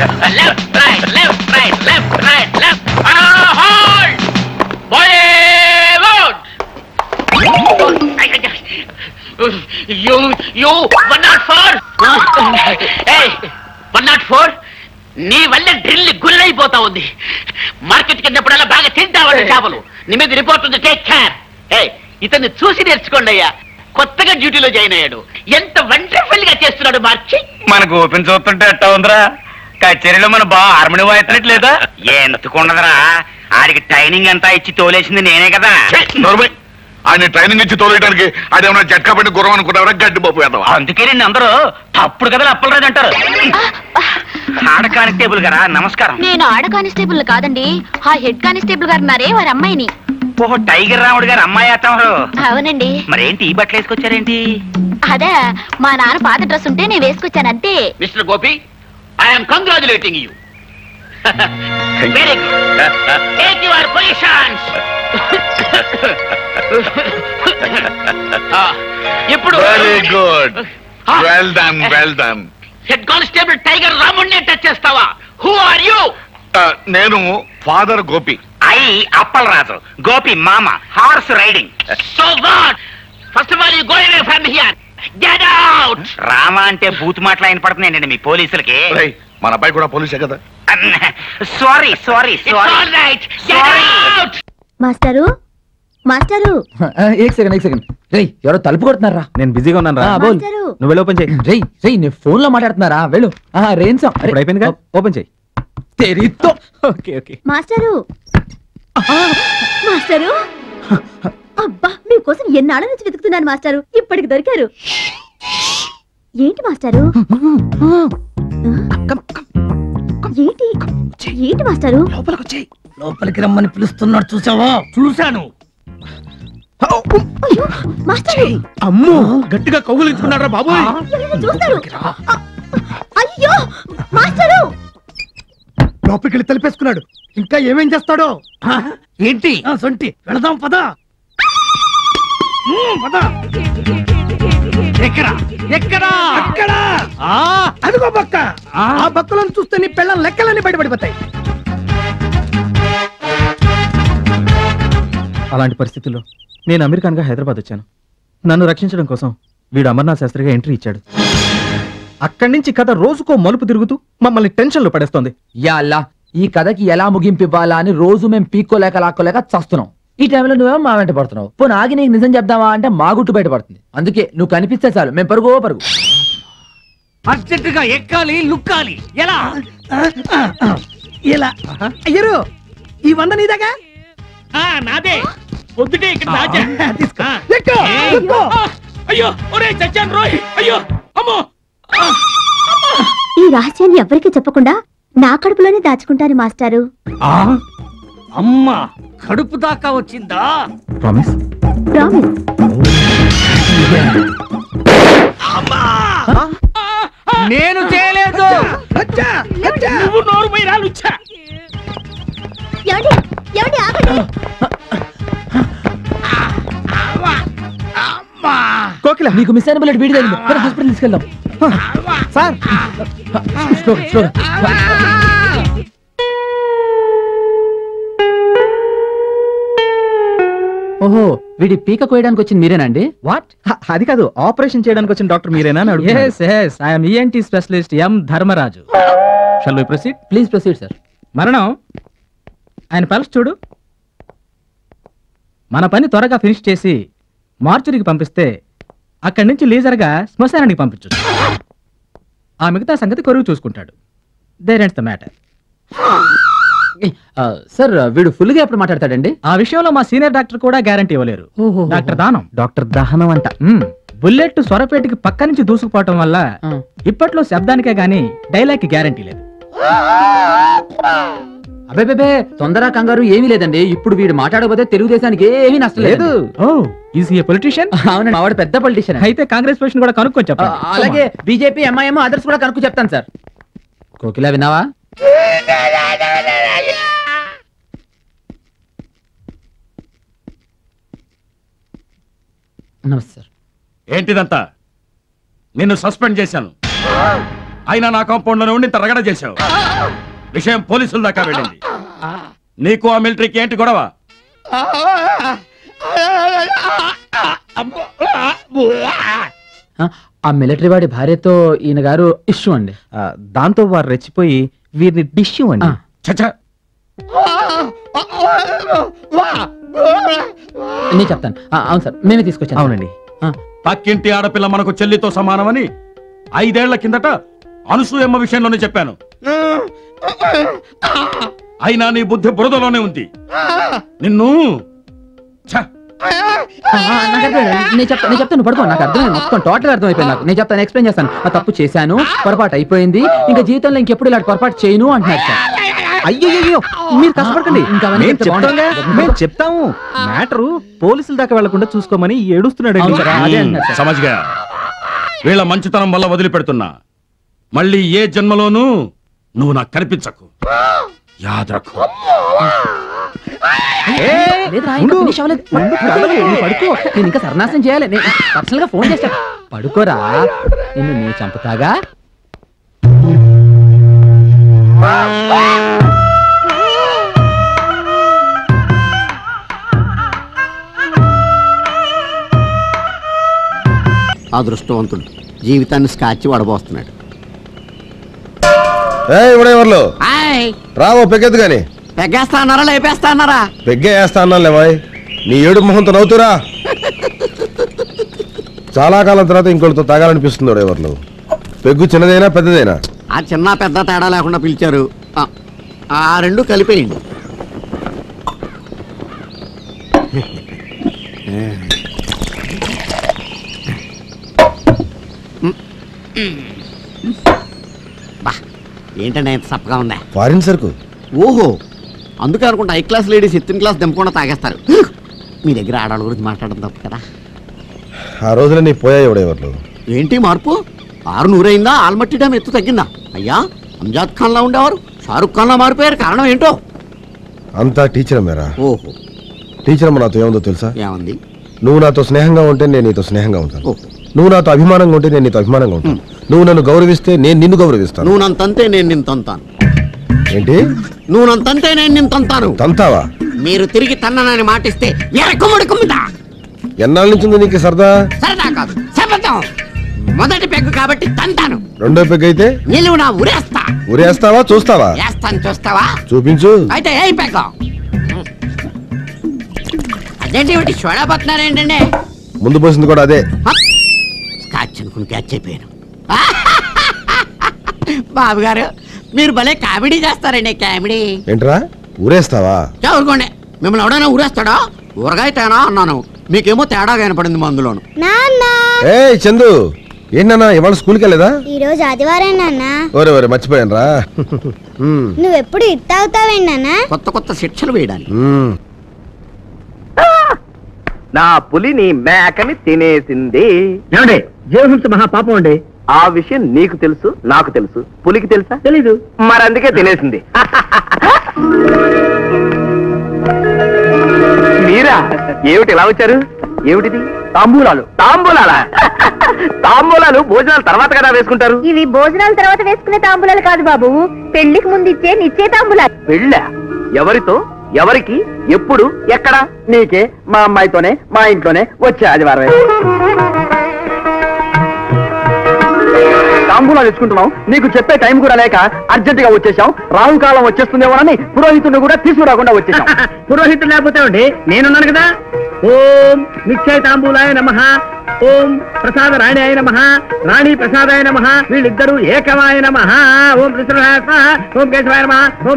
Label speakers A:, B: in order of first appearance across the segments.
A: Left right left right left right left hold Bollywood you 104 ఏయ్ 104 నీ వల్ల drill గుల్లైపోతా ఉంది. మార్కెట్ కిందప్పుడల్లా బాగా తింటావాడు చేపలు. నీ మీద రిపోర్ట్ ఉంది, టేక్ కేర్. ఇతన్ని చూసి నేర్చుకోండి అయ్యా. కొత్తగా డ్యూటీలో జాయిన్ అయ్యాడు. ఎంత వండర్ఫుల్ గా చేస్తున్నాడు మార్చి.
B: మనకు ఓపెన్ చూస్తుంటే ఎట్టా ఉందిరా? కచేరీలో మన బాగా హార్మోని వాయిస్తున్నట్లేదా? ఎందుకుండదురా, ఆడికి ట్రైనింగ్ అంతా ఇచ్చి తోలేసింది నేనే కదా.
C: ఆయన ట్రైనింగ్ ఇచ్చి తోలేయడానికి అదేమన్నా జట్కా పెట్టి గుర్రం అనుకుంటారా? గడ్డి పప్పు వేద్దాం.
B: అందుకే నేను అందరూ తప్పుడు కదా అప్పలరాజు అంటారు. ఆడ కానిస్టేబుల్ గారా, నమస్కారం.
D: నేను ఆడ కానిస్టేబుల్ కాదండి, ఆ హెడ్ కానిస్టేబుల్ గారు ఉన్నారే వారి అమ్మాయిని.
B: ఓహో, టైగర్ రాముడు గారు అమ్మాయి అత్తమారు.
D: అవునండి.
B: మరేంటి ఈ బట్టలు వేసుకొచ్చారేంటి?
D: అదే మా నాన్న పాత డ్రెస్ ఉంటే నేను వేసుకొచ్చాను అంతే.
A: Mister Gopi, I'm congratulating you. Very good. Take your positions. ఇప్పుడు
C: very good, well done well done.
A: Head constable tiger రాముడిని టచ్ చేస్తావా? Who are you?
C: నేను ఫాదర్ గోపి.
B: ఐ అప్పలరాజు, గోపి మామ, horse riding.
A: So what? First of all you go away from here. Get out.
B: Rama అంటే బూత్ మాటలు ఆయన పడుతున్నాయండి మీ పోలీసులకి.
C: మన అబ్బాయి కూడా పోలీసే కదా.
B: Sorry sorry sorry.
A: All right, get out.
E: Master master
F: एक सेकंड రేయ్, ఎవరో తలుపు కొడుతున్నారా? నేను బిజీగా ఉన్నాను రా. బోల్, నువ్వు వెళ్ళి ఓపెన్ చేయి. రేయ్ నేను ఫోన్ లో మాట్లాడుతున్నారా? వెళ్ళు. రేంసం ఇప్పుడు అయిపోయింది కదా, ఓపెన్ చేయి. తెరితో. Okay okay.
E: మాస్టరు మాస్టరు అబ్బా మీకోసం ఎన్నాళ్ళ నుంచి వెతుకుతున్నాను మాస్టరు, ఇప్పటికి దొరికారు. ఏంటి మాస్టరు? ఏంటి ఏంటి మాస్టరు?
F: లోపలికి వచ్చేయ్. లోపలికి రమ్మని పిలుస్తున్నాడు, చూసావా? చూశాను.
E: అయ్యో మాస్టరు,
F: అమ్మో గట్టిగా కౌగులించుకున్నారా బాబు?
E: చూస్తారు. అయ్యో మాస్టరు,
F: లోపలికి వెళ్ళి తలిపేసుకున్నాడు. ఇంకా ఏమేం చేస్తాడో ఏంటి? సొంటి వెళదాం పద. పద. ఎక్కడా ఎక్కడా అక్కడ అదిగో బక్క. ఆ బక్కలను చూస్తే నీ పెళ్ళం లెక్కలన్నీ బయటపడిపోతాయి. అలాంటి పరిస్థితుల్లో నేను అమెరికన్గా హైదరాబాద్ వచ్చాను. నన్ను రక్షించడం కోసం వీడు అమర్నాథ్ శాస్త్రిగా ఎంట్రీ ఇచ్చాడు. అక్కడి నుంచి కథ రోజుకో మలుపు తిరుగుతూ మమ్మల్ని టెన్షన్లో పడేస్తోంది.
G: యాల్లా, ఈ కథకి ఎలా ముగింపు ఇవ్వాలా అని రోజు మేము పీక్కోలేక లాక్కోలేక చస్తున్నాం. ఈ టైంలో నువ్వేమో మా వెంట పడుతున్నావు. పోనీ ఆగి నీకు నిజం చెప్దామా అంటే మా గుట్టు బయట పడుతుంది. అందుకే నువ్వు కనిపిస్తే చాలు మేము పరుగు పరుగు.
F: అర్జెంటుగా ఎక్కాలి, లుక్కాలి. ఎలా ఎలా అయ్యరు? ఈ 100 నీదాగా? నాదే. పొద్దుటే ఇక్కడ దాచా. తీసుకో. అయ్యో ఒరే చచ్చాను రోయ్. అయ్యో అమ్మో.
E: ఈ రహస్యాన్ని ఎవరికి చెప్పకుండా నా కడుపులోనే దాచుకుంటాను మాస్టారు.
F: అమ్మా కడుపు దాకా వచ్చిందా?
G: ప్రామిస్?
E: ప్రామిస్.
F: నేను చేయలేదు. నువ్వు నోరు పోయి రాలుచ్చా.
E: ఏమండి ఏమండి ఆగండి.
G: కోకిల, నీకు మిస్ అయిన బుల్లెట్ వీడి తగిలింది. హాస్పిటల్ తీసుకెళ్దాం. సార్ స్లోగా. ఓహో, వీడి పీక కోయడానికి వచ్చింది మీరేనండి?
F: వాట్? అది కాదు, ఆపరేషన్ చేయడానికి వచ్చిన డాక్టర్ మీరేనా? yes I am ENT specialist M Dharmaraju. Shall we proceed?
G: Please proceed sir.
F: మరణం ఆయన పల్స్ చూడు. మన పని త్వరగా ఫినిష్ చేసి మార్చురికి పంపిస్తే అక్కడి నుంచి లీజర్గా శ్మశానానికి పంపించు. ఆ మిగతా సంగతి కొరువు చూసుకుంటాడు. There ends the matter.
G: Sir వీడు ఫుల్ గా ఎప్పుడు మాట్లాడతాడండి?
F: ఆ విషయంలో మా సీనియర్ డాక్టర్ కూడా గ్యారంటీ ఇవ్వలేరు. డాక్టర్ దానం.
G: డాక్టర్ దహనం అంట.
F: బుల్లెట్ స్వరపేటకి పక్క నుంచి దూసుకుపోవటం వల్ల ఇప్పట్లో శబ్దానికే గానీ డైలాగ్ కి గ్యారంటీ లేదు.
G: అబే తొందర కంగారు ఏమీ లేదండి. ఇప్పుడు వీడు మాట్లాడకపోతే తెలుగుదేశానికి ఏమీ నష్టం లేదు.
F: పొలిటీషియన్?
G: అవునండి, మావాడు పెద్ద పొలిటీషియన్.
F: అయితే కాంగ్రెస్ పొజిషన్ కూడా కనుక్కొని చెప్పండి.
G: అలాగే బీజేపీ, ఎంఐఎం, అదర్స్ కూడా కనుక్కు చెప్తాను సార్. కోకిలా విన్నావా? నమస్తే సార్.
H: ఏంటిదంతా? నిన్ను సస్పెండ్ చేశాను. అయినా నా కాంపౌండ్ లోనే ఉండి ఇంత రగడ చేశావు. విషయం పోలీసుల దాకా వెళ్ళింది. నీకు ఆ మిలిటరీకి ఏంటి గొడవ?
G: ఆ మిలిటరీ వాడి భార్యతో ఈయన గారు ఇష్యూ అండి.
F: దాంతో వారు రెచ్చిపోయి వీరిని డిష్యూ అండి.
H: చచ్చా,
G: నేను చెప్తాను. అవును సార్, మేమే తీసుకొచ్చాను.
F: అవునండి.
H: పక్కింటి ఆడపిల్ల మనకు చెల్లితో సమానమని 5 ఏళ్ల కిందట అనసూయమ్మ విషయంలోనే చెప్పాను. అయినా నీ బుద్ధి బురదలోనే ఉంది. నిన్ను
G: నేను చెప్తాను పడుకో. నాకు అర్థమైంది, మొత్తం టోటల్ అర్థమైపోయింది నాకు. నేను చెప్తాను, ఎక్స్ప్లెయిన్ చేస్తాను. ఆ తప్పు చేశాను, పొరపాటు అయిపోయింది, ఇంకా జీవితంలో ఇంకెప్పుడు ఇలాంటి పొరపాటు చేయను అంటున్నారు సార్.
F: అయ్యో మీరు కష్టపడకండి, చెప్తాము. మ్యాటరు పోలీసుల దాకా వెళ్లకుండా చూసుకోమని ఏడుస్తున్నాడు.
H: సమజ్గా వీళ్ళ మంచితనం వల్ల వదిలిపెడుతున్నా. మళ్ళీ ఏ జన్మలోనూ నువ్వు నాకు కనిపించకు. యాదరకు.
G: పడుకో, నేను ఇంకా సర్నాశనం చేయాలి. నేను పర్సనల్ గా ఫోన్ చేస్తా. పడుకోరా, నిన్ను నేను చంపుతాగా.
I: అదృష్టవంతుడు జీవితాన్ని స్కాచ్ వడబోస్తున్నాడు.
J: రావో పెగ్గెద్దు గాని.
I: పెగ్గేస్తా అన్నారా లేపేస్తా అన్నారా?
J: పెగ్గే వేస్తా అన్నా లేవాయ్. నీ ఏడు మొహంతో నవ్వుతురా. చాలా కాలం తర్వాత ఇంకోటితో తాగాలనిపిస్తుంది. ఎవరు పెగ్గు చిన్నదైనా పెద్దదైనా?
I: ఆ చిన్న పెద్ద తేడా లేకుండా పిలిచారు. ఆ రెండు కలిపేయండి. ఏంటంటే ఎంత సప్పగా ఉందా?
J: ఫారిన్ సరుకు.
I: ఓహో, అందుకే అనుకుంటా high class ladies 8th class దింపకుండా తాగేస్తారు. మీ దగ్గర ఆడవాళ్ళ గురించి మాట్లాడడం తప్పు కదా.
J: ఆ రోజున నీ పోయాయి ఎవడెవర్లు.
I: ఏంటి మార్పు? 600 అయిందా? ఆల్మట్టి డ్యామ్ ఎత్తు తగ్గిందా? అయ్యా, అంజాద్ ఖాన్ లా ఉండేవారు షారుఖ్ ఖాన్ లా మారిపోయారు. కారణం ఏంటో?
J: అంతా టీచర్ మేరా.
I: ఓహో,
J: టీచర్ అమ్మ నాతో ఏముందో తెలుసా?
I: ఏమంది?
J: నువ్వు నాతో స్నేహంగా ఉంటే నేను నీతో స్నేహంగా ఉంటాను. నువ్వు నాతో అభిమానంగా ఉంటే నేను నీతో అభిమానంగా ఉంటాను. నువ్వు నన్ను గౌరవిస్తే నేను నిన్ను గౌరవిస్తాను.
I: నువ్వు నన్ను తంతే నేను నిన్ను తంతాను.
J: ఏంటి?
I: నువ్వు నన్ను తంతే నేను నిన్ను తంతాను.
J: తంతావా?
I: మీరు తిరిగి తన్ననని మాటిస్తే ఎరకుమ్ముడు కుమ్ముతా.
J: ఎన్నాళ్ళ నుంచి ఉంది నీకు సరదా?
I: సరదా కాదు, శపథం. మొదటి పెగ్గు కాబట్టి తంతాను.
J: రెండో పెగ్గు అయితే
I: నిలువు నా ఉరేస్తా.
J: ఉరేస్తావా? చూస్తావా?
I: వేస్తాను, చూస్తావా?
J: చూపించు.
I: అయితే ఏ పెగ్గు? అదేంటి ఒకటి చూడబోతున్నారేంటండి?
J: ముందు పోసింది కూడా అదే.
I: స్కాచ్ అనుకుని క్యాచ్ అయిపోయాను. బాబు గారు, మీరు భలే కామెడీ చేస్తారండి. కామెడీ
J: ఏంట్రా? ఊరేస్తావా?
I: ఊరుకోండి. మిమ్మల్ని ఎవడైనా ఊరేస్తాడా? ఊరగాయ తేనా అన్నాను, మీకేమో తేడా కనపడింది మందులోను.
J: ఏ చందు, ఏంటన్నా ఇవాళ స్కూల్కి వెళ్ళేదా?
K: ఈ రోజు ఆదివారం నాన్న.
J: ఒరే ఒరే మర్చిపోయాను రా.
K: నువ్వెప్పుడు ఇట్టావుతావేంటి నాన్న?
I: కొత్త కొత్త శిక్షలు వేయడానికి.
B: నా పులిని మేకని తినేసింది.
A: ఏమండి, జీవహింస మహాపాపం అండి.
B: ఆ విషయం నీకు తెలుసు, నాకు తెలుసు. పులికి తెలుసా? తెలీదు. మరి అందుకే తినేసింది. మీరా? ఏమిటి ఇలా వచ్చారు? ఏమిటిది? తాంబూలాలు. తాంబూలాలా? తాంబూలాలు భోజనాల తర్వాత కదా వేసుకుంటారు.
E: ఇవి భోజనాల తర్వాత వేసుకునే తాంబూలాలు కాదు బాబు, పెళ్లికి ముందు ఇచ్చే నిచ్చే తాంబూలాలు.
B: పెళ్ళా? ఎవరితో, ఎవరికి, ఎప్పుడు, ఎక్కడ? నీకే, మా అమ్మాయితోనే, మా ఇంట్లోనే వచ్చే ఆదివారం. తాంబూలాలు తెచ్చుకుంటున్నాం, నీకు చెప్పే టైం కూడా లేక అర్జెంట్ గా వచ్చేసాం. రాహుకాలం వచ్చేస్తుందేమోనని పురోహితుడిని కూడా తీసుకురాకుండా వచ్చేసాం.
A: పురోహితుడు లేకపోతే అండి నేనున్నాను కదా. ఓం నిశ్చయ తాంబూలాయ నమః, ఓం ప్రసాద రాణి నమః, రాణి ప్రసాదాయ నమః, వీళ్ళిద్దరూ ఏకమాయ నమః. ఓం కృష్ణాయ స్వాహ, ఓం కేశవాయ నమః, ఓం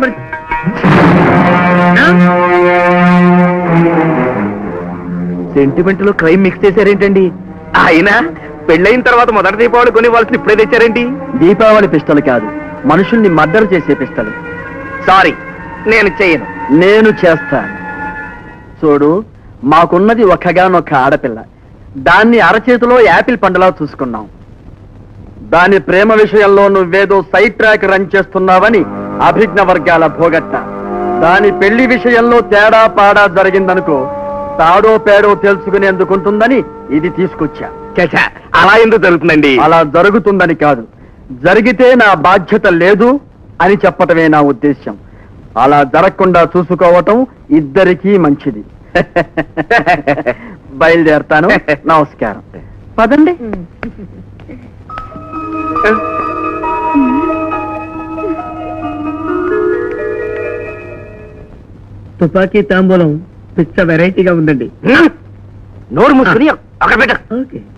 B: సెంటిమెంట్ లో క్రైమ్ మిక్స్ చేశారేంటండి? అయినా పెళ్ళైన తర్వాత మొదటి దీపావళి కొనివ్వాల్సిన ఇప్పుడే తెచ్చారేంటి?
A: దీపావళి పిస్టల్ కాదు, మనుషుల్ని మర్డర్ చేసే పిస్టల్.
B: సారీ, నేను చేయను.
A: నేను చేస్తాను. చూడు, మాకున్నది ఒక్కగానొక్క ఆడపిల్ల. దాన్ని అరచేతిలో యాపిల్ పండులా చూసుకున్నాం. దాని ప్రేమ విషయంలో నువ్వేదో సైడ్ ట్రాక్ రన్ చేస్తున్నావని అభిజ్ఞ వర్గాల భోగట్ట. దాని పెళ్లి విషయంలో తేడా పాడా జరిగిందనుకో, తాడో పేడో తెలుసుకునేందుకుంటుందని ఇది తీసుకొచ్చా.
B: అలా ఎందుకు జరుగుతుందండి?
A: అలా జరుగుతుందని కాదు,
L: జరిగితే నా బాధ్యత లేదు అని చెప్పటమే నా ఉద్దేశ్యం. అలా జరగకుండా చూసుకోవటం ఇద్దరికీ మంచిది. బయలుదేరతాను. నమస్కారం. పదండి.
M: తుపాకీ తాంబూలం పిచ్చ వెరైటీగా ఉందండి.
B: నోరు మూసుకుని అక్కడ పెట్ట.
M: ఓకే.